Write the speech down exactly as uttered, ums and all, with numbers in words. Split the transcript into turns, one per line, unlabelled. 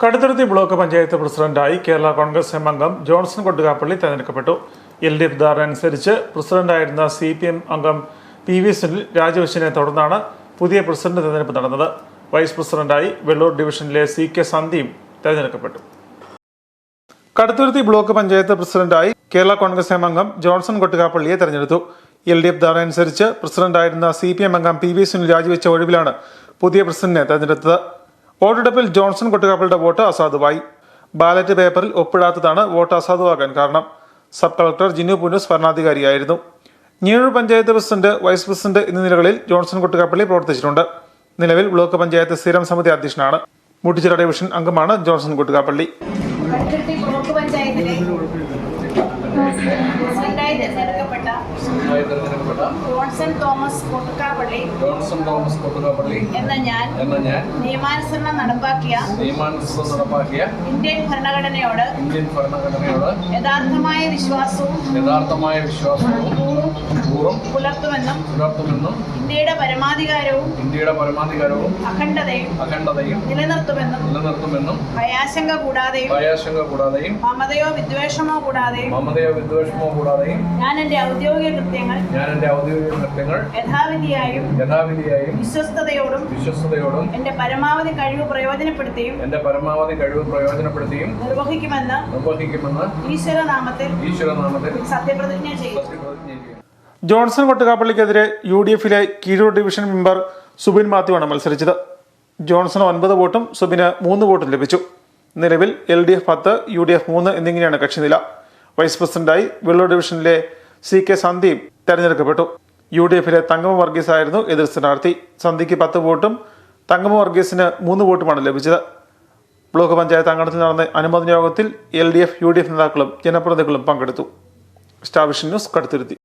Kaduthuruthy block panchayat പ്രസിഡന്റായി Kerala Congress M അംഗം ജോൺസൺ കൊട്ടുകാപ്പള്ളി തെരഞ്ഞെടുക്കപ്പെട്ടു. എൽ ഡി എഫ് ധാരണ അനുസരിച്ച് പ്രസിഡന്റായിരുന്ന സി പി എം അംഗം പി വി സുനിൽ രാജിവെച്ചതിനെ തുടർന്നാണ് പുതിയ പ്രസിഡന്റ് തെരഞ്ഞെടുപ്പ് നടന്നത്. വൈസ് പ്രസിഡന്റായി വെള്ളൂർ ഡിവിഷനിലെ സി കെ സന്ദീപ് തെരഞ്ഞെടുക്കപ്പെട്ടു. കടുത്തുരുത്തി ബ്ലോക്ക് പഞ്ചായത്ത് പ്രസിഡന്റായി കേരള കോൺഗ്രസ് എം അംഗം ജോൺസൺ കൊട്ടുകാപ്പള്ളിയെ തെരഞ്ഞെടുത്തു. എൽ ഡി എഫ് ധാരണ അനുസരിച്ച് പ്രസിഡന്റായിരുന്ന സി പി എം അംഗം പി വി സുനിൽ രാജിവെച്ച ഒഴിവിലാണ് പുതിയ പ്രസിഡന്റിനെ തെരഞ്ഞെടുത്തത്. വോട്ടെടുപ്പിൽ ജോൺസൺ കൊട്ടുകാപ്പള്ളിയുടെ വോട്ട് അസാധുവായി. ബാലറ്റ് പേപ്പറിൽ ഒപ്പിടാത്തതാണ് വോട്ട് അസാധുവാകാൻ കാരണം. സബ് കളക്ടർ ജിനു പുനൂസ് ഭരണാധികാരിയായിരുന്നു. Njeezhoor panchayat president, vice president എന്നീ നിലകളിൽ ജോൺസൺ കൊട്ടുകാപ്പള്ളി പ്രവർത്തിച്ചിട്ടുണ്ട്. നിലവിൽ ബ്ലോക്ക് പഞ്ചായത്ത് സ്ഥിരം സമിതി അധ്യക്ഷനാണ്. മുട്ടിച്ചിറ ഡിവിഷൻ അംഗമാണ് ജോൺസൺ കൊട്ടുകാപ്പള്ളി.
ബ്ലോക്ക് പഞ്ചായത്തിലെ പ്രസിഡന്റായി തെരഞ്ഞെടുക്കപ്പെട്ട ജോൺസൺ തോമസ് കൊട്ടുകാപ്പള്ളി
ജോൺസൺ തോമസ് കൊട്ടുകാപ്പള്ളി
എന്ന ഞാൻ
എന്ന ഞാൻ
നിയമാനുസരണം നടപ്പാക്കിയ
നിയമാനുസരണം നടപ്പാക്കിയ
ഇന്ത്യൻ ഭരണഘടനയോട്
ഇന്ത്യൻ ഭരണഘടനയോട്
യഥാർത്ഥമായ വിശ്വാസവും
യഥാർത്ഥമായ വിശ്വാസവും പൂർവ്വം
പുലർത്തുമെന്നും
പുലർത്തുമെന്നും
ഇന്ത്യയുടെ പരമാധികാരവും
ഇന്ത്യയുടെ പരമാധികാരവും
അഖണ്ഡതയും
അഖണ്ഡതയും
നിലനിർത്തുമെന്നും
നിലനിർത്തുമെന്നും
ഭയാശങ്ക കൂടാതെയും
ഭയാശങ്ക കൂടാതെയും
മമതയോ വിദ്വേഷമോ കൂടാതെയും
മമതയോ വിദ്വേഷമോ കൂടാതെയും
ഞാൻ എന്റെ ഔദ്യോഗിക കൃത്യങ്ങൾ
ഞാൻ എന്റെ ഔദ്യോഗിക കൃത്യങ്ങൾ
യഥാവിധിയായും
യഥാവിധിയായും
വിശ്വസ്തയോടും
വിശ്വസ്തയോടും
എന്റെ പരമാവധി കഴിവ് പ്രയോജനപ്പെടുത്തിയും
എന്റെ പരമാവധി കഴിവ് പ്രയോജനപ്പെടുത്തിയും
നിർവഹിക്കുമെന്ന്
നിർവഹിക്കുമെന്ന്
ഈശ്വരനാമത്തിൽ
ഈശ്വരനാമത്തിൽ
സത്യപ്രതിജ്ഞ ചെയ്യും.
സത്യപ്രതിജ്ഞ ചെയ്യും.
ജോൺസൺ കൊട്ടുകാപ്പള്ളിക്കെതിരെ യു ഡി എഫിലെ കീഴൂർ ഡിവിഷൻ മെമ്പർ സുബിൻ മാത്യുവാണ് മത്സരിച്ചത്. ജോൺസൺ ഒൻപത് വോട്ടും സുബിന് മൂന്ന് വോട്ടും ലഭിച്ചു. നിലവിൽ എൽ ഡി എഫ് പത്ത്, യു ഡി എഫ് മൂന്ന് എന്നിങ്ങനെയാണ് കക്ഷിനില. വൈസ് പ്രസിഡന്റായി വെള്ളൂർ ഡിവിഷനിലെ സി കെ സന്ദീപ് തെരഞ്ഞെടുക്കപ്പെട്ടു. യു ഡി എഫിലെ തങ്കമ വർഗീസ് ആയിരുന്നു എതിർ സ്ഥാനാർത്ഥി. സന്ധ്യയ്ക്ക് പത്ത് വോട്ടും തങ്കമ വർഗീസിന് മൂന്ന് വോട്ടുമാണ് ലഭിച്ചത്. ബ്ലോക്ക് പഞ്ചായത്ത് അങ്കണത്തിൽ നടന്ന അനുമോദന യോഗത്തിൽ L D F, U D F നേതാക്കളും ജനപ്രതിനിധികളും പങ്കെടുത്തു. Star vision news, Kaduthuruthy.